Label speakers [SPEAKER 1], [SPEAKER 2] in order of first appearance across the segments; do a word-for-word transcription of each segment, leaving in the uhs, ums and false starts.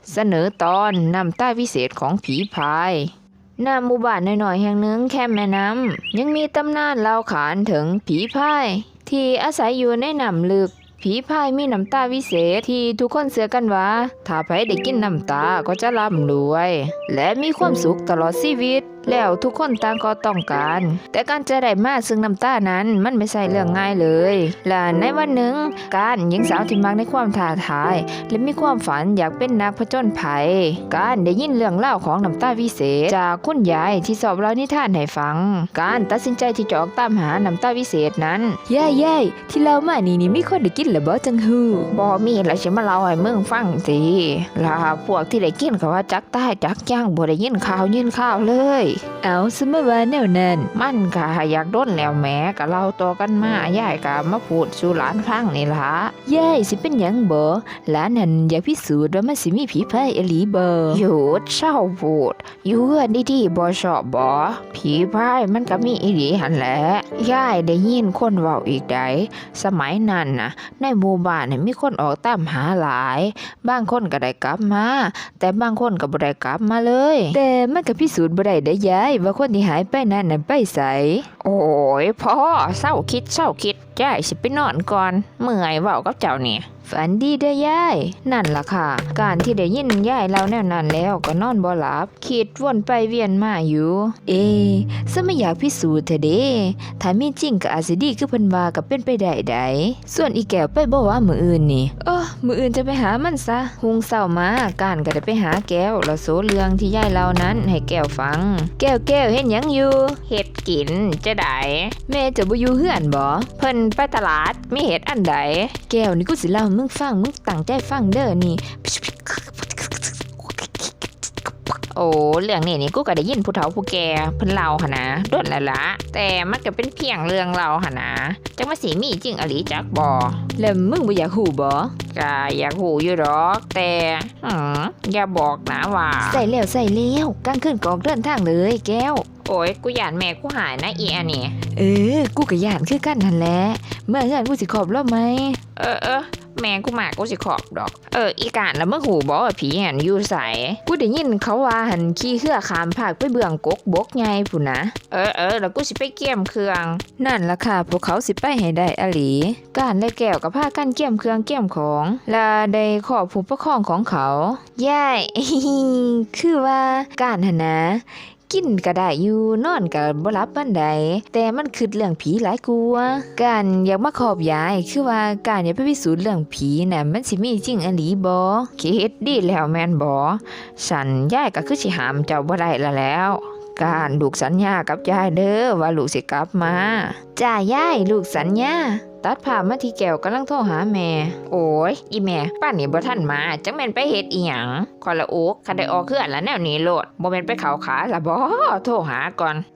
[SPEAKER 1] เสนอตอนน้ำตาวิเศษของผีพายณหมู่บ้านน้อยๆแห่งหนึ่งแคมแม่น้ำยังมีตำนานเล่าขานถึงผีพายที่อาศัยอยู่ในน้ำลึกผีพายมีน้ำตาวิเศษที่ทุกคนเชื่อกันว่าถ้าใครได้กินน้ำตาก็จะร่ำรวยและมีความสุขตลอดชีวิตแล้วทุกคนต่างก็ต้องการแต่การจะได้มาซึ่งน้ำตานั้นมันไม่ใช่เรื่องง่ายเลยและในวันหนึ่งการหญิงสาวที่มักในความท้าทายและมีความฝันอยากเป็นนักผจญภัยการได้ยินเรื่องเล่าของน้ำตาวิเศษจากคุณยายที่สอบเล่านิทานให้ฟังการตัดสินใจที่จะออกตามหาน้ำตาวิเศษนั้นย่ายย่ายที่เล่ามานี่นี่มีคนได้กินหรือบ่จังฮู้บ่มีแล้วสิมาเล่าให้มึงฟังสิล่ะพวกที่ได้กินก็ว่าจักตายจักย่างบ่ได้ยินข่าวยินข่าวเลยเอาสมว่าแนวนั้นมันก็อยากโดนแล้วแหมก็เล่าต่อกันมายายก็มาพูดสู่หลานฟังนี่ล่ะยายสิเป็นหยังบ่หลานนั่นอยากพิสูจน์ว่ามันสิมีผีพายอีหลีบ่หยุดเศร้าพูดอยู่เฮือนดีๆบ่ชอบบ่ผีพายมันก็มีอีหลีหั่นแหละยายได้ยินคนเว้าอีกใดสมัยนั้นน่ะในหมู่บ้านมีคนออกตามหาหลายบางคนก็ได้กลับมาแต่บางคนก็บ่ได้กลับมาเลยแต่มันก็พิสูจน์บ่ได้เด้อยายว่าคนที่หายไปนั้นน่ะไปไสโอ้ยพ่อเศร้าคิดเศร้าคิดยายสิไปนอนก่อนเมื่อยเว้ากับเจ้านี่ฝันดีเด้อยายนั่นล่ะค่ะการที่ได้ยินยายเล่าแนวนั้นแล้วก็นอนบ่หลับคิดวนไปเวียนมาอยู่เอ๊ะซะไม่อยากพิสูจน์เถอะเด้ถ้ามีจริงก็อาจสิดีคือเพิ่นว่าก็เป็นไปได้ไดส่วนอีแก้วไปบ่ว่ามื้ออื่นนี่เออมื้ออื่นจะไปหามันซะหุงเช้ามาการก็ได้ไปหาแก้วแล้วโซเรื่องที่ยายเล่านั้นให้แก้วฟังแก้วแก้วเฮ็ดหยังอยู่เฮ็ดกินจะได้แม่จะบ่อยู่เฮือนบ่เพิ่นไปตลาดมีเฮ็ดอันใดแก้วนี่กูสิเล่ามึงฟังมึงตั้งใจฟังเด้อนี่โอ้เรื่องนี้นี่กูก็ได้ยินผู้เฒ่าผู้แก่เพิ่นเล่าหั่นนะโดนแล้วล่ะแต่มันก็เป็นเพียงเรื่องเล่าหั่นนะจังว่าสิมีจริงอหลีจักบ่แล้วมึงบ่อยากฮู้บ่ก็อยากฮู้อยู่ดอกแต่หืออย่าบอกนะว่าใส่แล้วใส่แล้วกลางคืนก็ออกเดินทางเลยแก้วโอ้ยกูย่านแม่กูหายนะอีอันนี้เออกูก็ย่านคือกันนั่นแหละเมื่อเฮือนกูสิขอบรอบมั้ยเออเออแม่กูมากูสิขอบดอกเอออีกานแล้วมึงหูบอกว่าผีหันอยู่ไสกูได้ยินเขาว่าหันขี่เครือขามภาคไปเบื้องกกบกใหญ่พุ่นนะเออเออแล้วกูสิไปเกี่ยมเครื่องนั่นล่ะค่ะพวกเขาสิไปให้ได้อหลีการและแก้วกับพากันเกี่ยมเครื่องเกี่ยมของและได้ขอบผู้ปกครองของเขาย่าย คือว่าการหันนะกินก็ได้อยู่นอนก็บ่หลับปานใดแต่มันคิดเรื่องผีหลายกว่าการอยากมาขอบยายคือว่าการอยากไปพิสูจน์เรื่องผีน่ะมันสิมีจริงอีหลีบ่คิดดีแล้วแม่นบ่ฉันยายก็คือสิห้ามเจ้าบ่ได้ละแล้วการลูกสัญญากับยายเด้อว่าลูกสิกลับมาจ้ายายลูกสัญญาตัดภาพมาที่แก้วกำลังโทรหาแม่โอ้ยอีแม่ป้านนี่บ่ทันมาจังแม่นไปเฮ็ดอีหยังคอยละโอกคันได้ออกเฮือนแล้วแนวนี้โลดบ่แม่นไปเข้าขาล่ะบ่โทรหาก่อน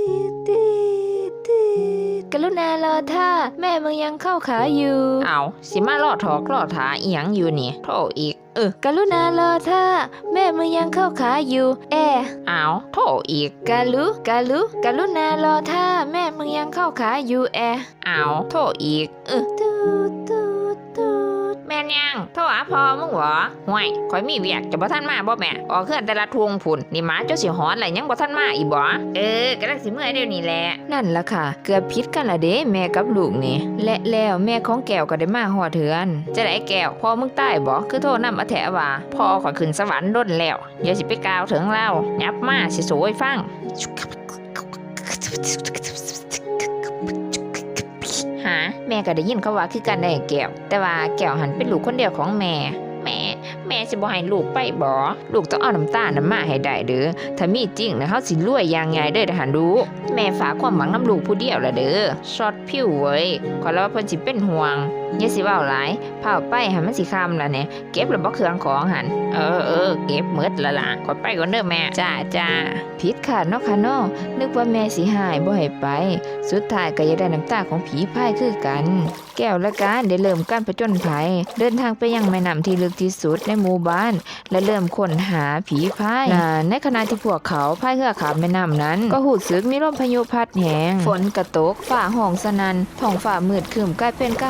[SPEAKER 1] กรุณารอท่าแม่มึงยังเข้าขาอยู่เอาสิมารอถอกรอถาอีหยังอยู่นี่โทรอีกเออกรุณารอท่าแม่มึงยังเข้าขาอยู่แอเอาโทรอีกกะลุกะลุกรุณารอท่าแม่มึงยังเข้าขาอยู่แอเอาโทรอีกเออตูดตูดตูดแม่นยังโทรหาพ่อมึงเหรอห่วยข่อยมีเวียกจะบ่ทันมาบ่แม่ออกเคลื่อนแต่ละทวงพุ่นนี่หมาเจ้าสิหอนอะไรยังบ่ทันมาอีบ่เออกำลังสิเมื่อยเดี๋ยวนี้แหละนั่นล่ะค่ะเกือบผิดกันละเด้แม่กับลูกนี่และแล้วแม่ของแก้วก็ได้มาฮอดเทือนจะได้แก้วพ่อมึงตายบ่คือโทรนำอาแถว่าพ่อข่อยขึ้นสวรรค์ดนแล้วอย่าสิไปกล่าวถึงเล่ายับมาสิโสยฟังหาแม่ก็ได้ยินเขาว่าคือกันได้แก้วแต่ว่าแก้วหันเป็นลูกคนเดียวของแม่แม่แม่สิบ่ให้ลูกไปบ่ลูกต้องเอาน้ำตาลน้ำมาให้ได้เด้อถ้ามีจริงนะเฮาสิรวยอย่างใหญ่เด้อทหารดูแม่ฝากความหวังน้ำลูกผู้เดียวละเด้อช็อตผิวเว้ยขอแล้วว่าเพิ่นสิเป็นห่วงอย่าสิเว้าหลายเผาไปให้มันสิค่ำละเนี่ยเก็บแล้วบ่เครื่องของหันเออเออเก็บหมดละล่ะขอไปก่อนเด้อแม่จ้าจ้าผิดขาดเนาะค่ะเนาะนึกว่าแม่สิหายบ่ให้ไปสุดท้ายก็อยากได้น้ำตาของผีพายคือกันแก้วและการได้เริ่มการผจญภัยเดินทางไปยังแม่น้ำที่ลึกที่สุดในหมู่บ้านและเริ่มค้นหาผีพายในขณะที่พวกเขาพายเรือข้ามแม่น้ำนั้นก็หูสึกมีลมพายุพัดแหงฝนกระตกฟ้าห้องสนั่นท้องฟ้ามืดครึ้มกลายเป็นกลางคืน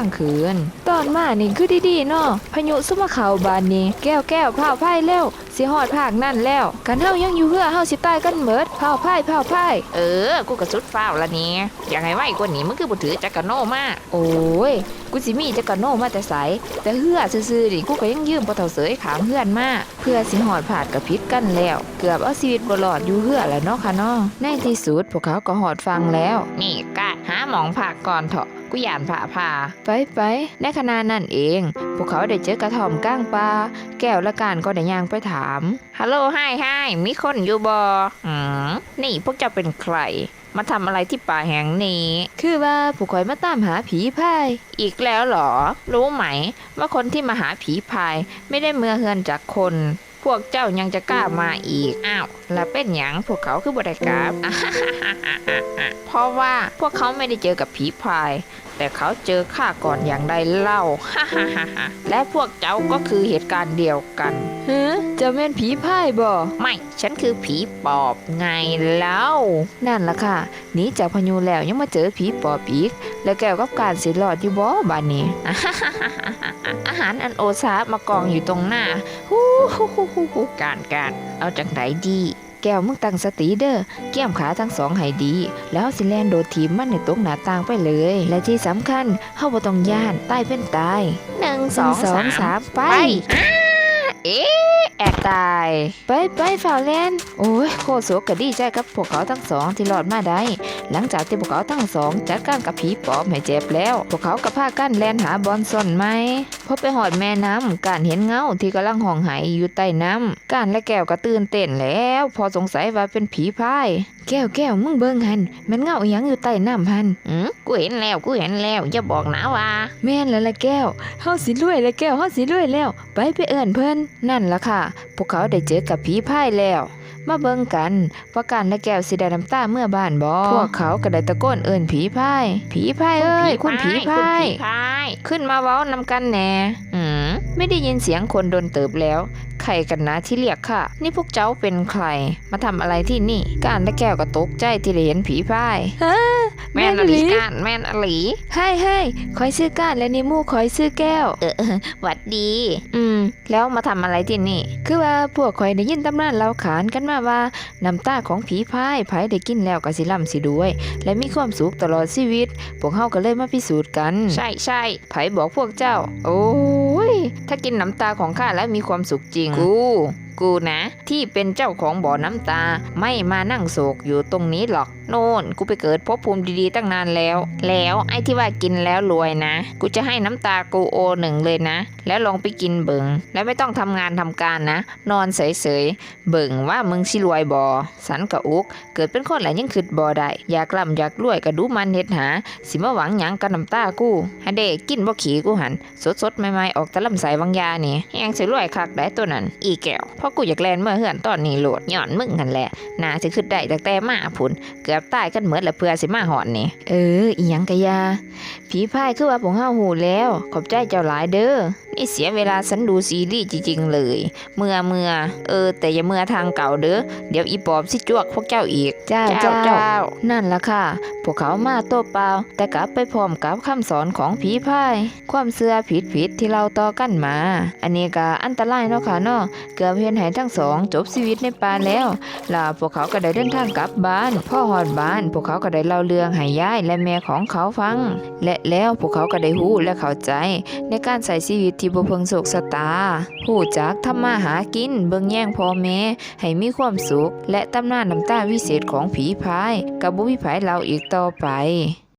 [SPEAKER 1] นตอนมานี่คือดีๆเนาะพายุซุมาเข้าบ้านนี่แก้วแก้วพาวไพ่แล้วสิฮอดภาคนั่นแล้วกันเฮายังอยู่เฮือเฮาสิตายกันเบิดพาวไพ่พาวไพ่เออกูก็สุดฟ้าวละนี่ยังไงไว้กว่านี้มึงคือบ่ถือจักรโนมาโอ้ยกูสิมีจักรโนมาแต่ไสแต่เฮือซื่อๆนี่กูก็ยังยืมบ่เฒ่าเสยขามเฮือนมาเพื่อสิฮอดภาคก็ผิดกันแล้วเกือบเอาชีวิตบ่รอดอยู่เฮือแล้วเนาะค่ะเนาะในที่สุดพวกเขาก็ฮอดฟังแล้วนี่กะหาหมองภาคก่อนเถาะกูย่านผ่าผ่าไปไปในขณะนั้นเองพวกเขาได้เจอกระท่อมก้างปลาแก้วและการก็ได้ย่างไปถามฮัลโหลไฮไฮมีคนอยู่บ่อืมนี่พวกเจ้าเป็นใครมาทำอะไรที่ป่าแห่งนี้คือว่าผู้คอยมาตามหาผีพายอีกแล้วเหรอรู้ไหมว่าคนที่มาหาผีพายไม่ได้เมื่อเฮือนจากคนพวกเจ้ายังจะกล้ามาอีกอ้าวแล้วเป็นหยังพวกเขาคือบ่ได้กล้า เพราะว่าพวกเขาไม่ได้เจอกับผีพายแต่เขาเจอข้าก่อนอย่างใดเล่า และพวกเจ้าก็คือเหตุการณ์เดียวกันเฮ้จะเป็นผีพายบ่ไม่ฉันคือผีปอบไงเล่านั่นล่ะค่ะหนีจากพายุแล้วยังมาเจอผีปอบอีกแล้วแก้วกับการสิรอดอยู่บ่บ้านนี้ อาหารอันโอชามากองอยู่ตรงหน้าฮู้ฮู้ฮู้ฮู้การการเอาจากไหนดีแก้วมึงตั้งสติเด้อเกี่ยมขาทั้งสองให้ดีแล้วสิแลนโดดทีมมันในตกหน้าต่างไปเลยและที่สำคัญเฮาบ่ต้องย่านตายเป็นตายหนึ่ง สอง สามไปเอ๊ะแอกตายไปไปฝ่าวแลนโอ้ยโคโซก็ดีใจกับพวกเขาทั้งสองที่รอดมาได้หลังจากที่พวกเขาทั้งสองจัดการกับผีปอบให้เจ็บแล้วพวกเขาก็พากันแลนหาบอลซ่อนไหมพอไปหอดแม่น้ำการเห็นเงาที่กำลังห้องไห้อยู่ใต้น้ำการและแก้วก็ตื่นเต้นแล้วพอสงสัยว่าเป็นผีพายแก้วแก้วมึงเบิ่งหันมันเงาอีหยังอยู่ใต้น้ำหันอือกูเห็นแล้วกูเห็นแล้วอย่าบอกนะว่าแม่นแล้วล่ะแก้วเฮาสิรวยแล้วแก้วเฮาสิรวยแล้วไปไปเอิ้นเพิ่นนั่นล่ะค่ะพวกเขาได้เจอกับผีพายแล้วมาเบิ่งกันว่าการและแก้วสิได้น้ำตาเมื่อบ้านบ่พวกเขาก็ได้ตะโกนเอิ้นผีพายผีพายเอ้ยคุณผีพายขึ้นมาเว้านำกันแน่อืมไม่ได้ยินเสียงคนโดนเติบแล้วใครกันนะที่เรียกค่ะนี่พวกเจ้าเป็นใครมาทำอะไรที่นี่การและแก้วก็ตกใจที่ได้เห็นผีพายฮะแม่นอลีการแม่นอลีให้ให้คอยซื้อการและนี่มู่คอยซื้อแก้วเออหวัดดีอืมแล้วมาทำอะไรที่นี่คือว่าพวกคอยได้ยินตำนานเล่าขานกันมาว่าน้ำตาของผีพายไผได้กินแล้วก็สิร่ำสิรวยและมีความสุขตลอดชีวิตพวกเฮาก็เลยมาพิสูจน์กันใช่ใช่ไผบอกพวกเจ้าโอ้ยถ้ากินน้ำตาของข้าแล้วมีความสุขจริงกูกูนะที่เป็นเจ้าของบ่อน้ำตาไม่มานั่งโศกอยู่ตรงนี้หรอกโน่นกูไปเกิดภพภูมิดีๆตั้งนานแล้วแล้วไอ้ที่ว่ากินแล้วรวยนะกูจะให้น้ำตากูโอหนึ่งเลยนะแล้วลองไปกินเบิงแล้วไม่ต้องทำงานทำการนะนอนเฉยๆเบิงว่ามึงสิรวยบ่สันกะอุกเกิดเป็นคนแหละยังคิดบ่ได้อยากร่ำอยากรวยก็ดูมันเฮ็ดหาสิมาหวังหยังกับน้ำตากูฮะเด้กินบ่ขี้กูหันสดๆใหม่ๆออกแต่ลำไส้บางยานี่แฮงสิรวยคักได้ตัวนั้นอีแก้วเพราะกูอยากแลนเมื่อเฮือนตอนนี้โหลดย้อนมึงหั่นแหละน่าสิคิดได้ตั้งแต่มาพุ่นเกือบตายกันหมดแล้วเพื่อสิมาหอนนี่เอออีหยังกะยาผีพายคือว่าพวกเฮาฮู้แล้วขอบใจเจ้าหลายเด้อนี่เสียเวลาฉันดูซีรีส์จริงๆเลยเมื่อเมื่อเออแต่อย่าเมื่อทางเก่าเด้อเดี๋ยวอีปอบสิจวกพวกเจ้าอีกเจ้าเจ้าเจ้านั่นล่ะค่ะพวกเขามาโตเปล่าแต่กลับไปพร้อมกับคำสอนของผีพายความเชื่อผิดๆที่เราต่อกันมาอันนี้ก็อันตรายเนาะค่ะเนาะเกือบเฮ็ดให้ทั้งสองจบชีวิตในป่าแล้วล่ะพวกเขาก็ได้เดินทางกลับบ้านพ่อฮอดบ้านพวกเขาก็ได้เล่าเรื่องให้ยายและแม่ของเขาฟังและแล้วพวกเขาก็ได้รู้และเข้าใจในการใช้ชีวิตที่บ่เพิ่งโศกชะตารู้จักทำมาหากินเบิ่งแย่งพ่อแม่ให้มีความสุขและตำนานน้ำตาวิเศษของผีพายก็บ่มีไผเล่าอีกต่อไป